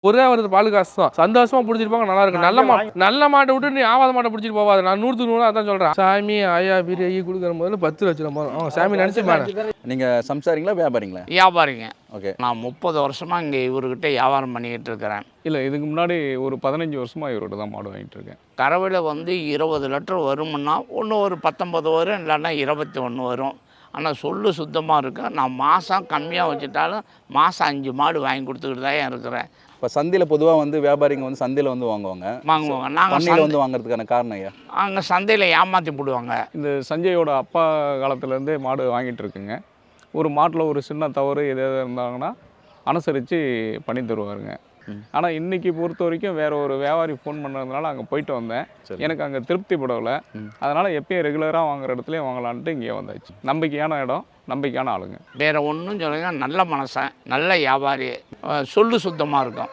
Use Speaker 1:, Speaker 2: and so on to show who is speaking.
Speaker 1: ஒரே ஒரு பால் காசு தான். சந்தோஷமா பிடிச்சிட்டு போங்க, நல்லா இருக்கு. நல்ல மாட்டை விட்டு நீ ஆவாத மாட்டை பிடிச்சிட்டு போவாது. நான் 100 அதான் சொல்றேன். சாமி ஆயா பிரியாணி கொடுக்குற முதல்ல 10 லட்சம் போதும். சாமி நினைச்சு பாரு.
Speaker 2: நீங்க சம்சாரிங்களா வியாபாரிங்களா?
Speaker 3: வியாபாரிங்க.
Speaker 2: ஓகே.
Speaker 3: நான் 30 வருஷமா இங்க இவர்கிட்ட வியாபாரம் பண்ணிக்கிட்டு இருக்கிறேன்.
Speaker 4: இல்லை, இதுக்கு முன்னாடி ஒரு 15 வருஷமா இவர்கிட்ட தான் மாடு வாங்கிட்டு இருக்கேன்.
Speaker 3: கறவையில் வந்து 20 லிட்டர் வருமுன்னா ஒன்று ஒரு 19 வரும், இல்லைன்னா 21 வரும். ஆனால் சொல்லு சுத்தமாக இருக்கும். நான் மாதம் கம்மியாக வச்சுட்டாலும் மாதம் 5 மாடு வாங்கி கொடுத்துக்கிட்டு தான் இருக்கிறேன்.
Speaker 2: இப்போ சந்தையில் பொதுவாக வந்து வியாபாரிங்க வந்து சந்தையில் வந்து வாங்குவாங்க.
Speaker 3: நாங்கள்
Speaker 2: பண்ணையில் வந்து வாங்குறதுக்கான காரணம் ஐயா?
Speaker 3: அங்கே சந்தையில் ஏமாற்றி போடுவாங்க.
Speaker 4: இந்த சஞ்சயோட அப்பா காலத்துலேருந்தே மாடு வாங்கிட்டு இருக்குங்க. ஒரு மாட்டில் ஒரு சின்ன தவறு எதாவது இருந்தாங்கன்னா அனுசரித்து பண்ணி தருவாருங்க. ஆனால் இன்றைக்கி பொறுத்த வரைக்கும் வேறு ஒரு வியாபாரி ஃபோன் பண்ணதுனால அங்கே போயிட்டு வந்தேன். எனக்கு அங்கே திருப்தி படலை. அதனால் எப்பயும் ரெகுலராக வாங்குற இடத்துலையும் வாங்கலான்ட்டு இங்கே வந்தாச்சு. நம்பிக்கையான இடம், நம்பிக்கையான ஆளுங்க.
Speaker 3: வேறு ஒன்றும் சொல்லுங்க, நல்ல மனுஷன், நல்ல வியாபாரி, சொல்லு சுத்தமாக இருக்கும்.